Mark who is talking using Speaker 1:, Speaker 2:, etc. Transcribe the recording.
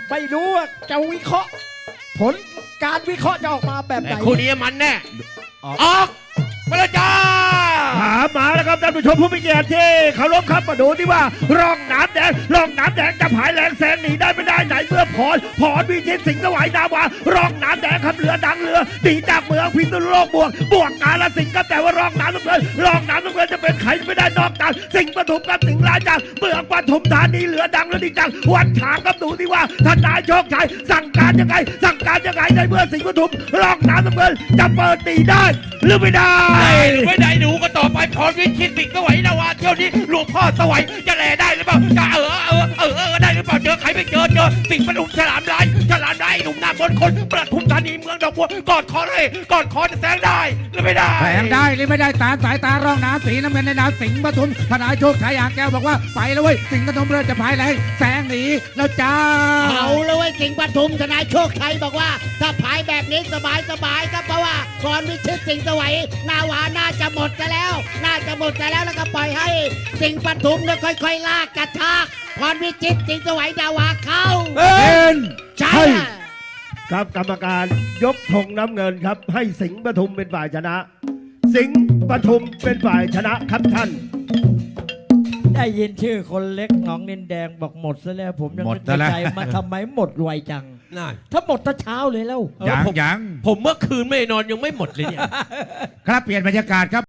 Speaker 1: ไม่รู้ว่าจะวิเคราะห์ผลการวิเคราะห์จะออกมาแบบไหน
Speaker 2: คู่นี้มันแน่ออกมาแล้วจ้า
Speaker 3: มาแล้วครับท่านผู้ชมผู้มีเกียรติที่เคารพครับมาดูที่ว่าร่องน้ำแดงจะผายแรงแซงหนีได้ไม่ได้ไหนเมื่อพรวิชิตสิงห์สวัยนาวาร่องน้ำแดงครับเรือดังเรือหนีจากเมืองพิษณุโลกบวกกาฬสินธุ์ครับแต่ว่าร่องน้ำน้ำเงินจะเป็นใครไม่ได้นอกจากสิงห์ปทุมกับสิงห์ราชาเมืองปทุมธานีเรือดังเรือดีจังวันฉางครับดูที่ว่าทนายโชคชัยสั่งการยังไงในเมื่อสิงห์ปทุมร่องน้ำเงินจะเปิดตีได้หรือไม่ได้
Speaker 2: หรือไม่ได้ดูก็ต่อไปพรวิชิตสิงห์สวัยนาวาเที่ยวนี้หลวงพ่อสวัยจะแลได้หรือเปล่าจะได้หรือเปล่าเจอใครไม่เจอสิงห์ปทุมฉลามลายหนุ่มหน้ามนต์คนปทุมธานีเมืองดอกบัวกอดคอจะแซงได้หรือไม่ได้
Speaker 4: แซงได้หรือไม่ได้ตามสายตาร่องน้ำสีน้ำเงินในนามสิงห์ปทุมทนายโชคชัยอ่างแก้วบอกว่าไปแล้วเว้ยสิงห์ปทุมเรือจะพายแรงแซงหนีแล้วจ้า
Speaker 5: เอาเลยเว้ยสิงห์ปทุมทนายโชคชัยบอกว่าถ้าพายแบบนี้สบายครับเพราะว่าพรวิชิตสิงห์สวัยนาวาน่าจะหมดกันแล้วแล้วก็ปล่อยให้สิงห์ปทุมเนี่ยค่อยๆลากกระชากพรวิชิตสิงห์สวัยนาวาเข้า
Speaker 3: เป็นใช่
Speaker 5: ใช่
Speaker 3: ครับกรรมการยกธงน้ำเงินครับให้สิงห์ปทุมเป็นฝ่ายชนะ สิงห์ปทุมเป็นฝ่ายชนะครับท่าน
Speaker 1: ได้ยินชื่อคนเล็กหนองนินแดงบอกหมดซะแล้วผมยัง
Speaker 4: หมด
Speaker 1: นึก
Speaker 4: ซะแล้ว
Speaker 1: ในใจมาทำไมหมดไวจัง
Speaker 2: น่า
Speaker 1: ถ้าหมดตั้งเช้าเลยแล้ว
Speaker 4: ยัง
Speaker 2: ผมเมื่อคืนไม่นอนยังไม่หมดเลยเนี่ย
Speaker 4: ครับเปลี่ยนบรรยากาศครับ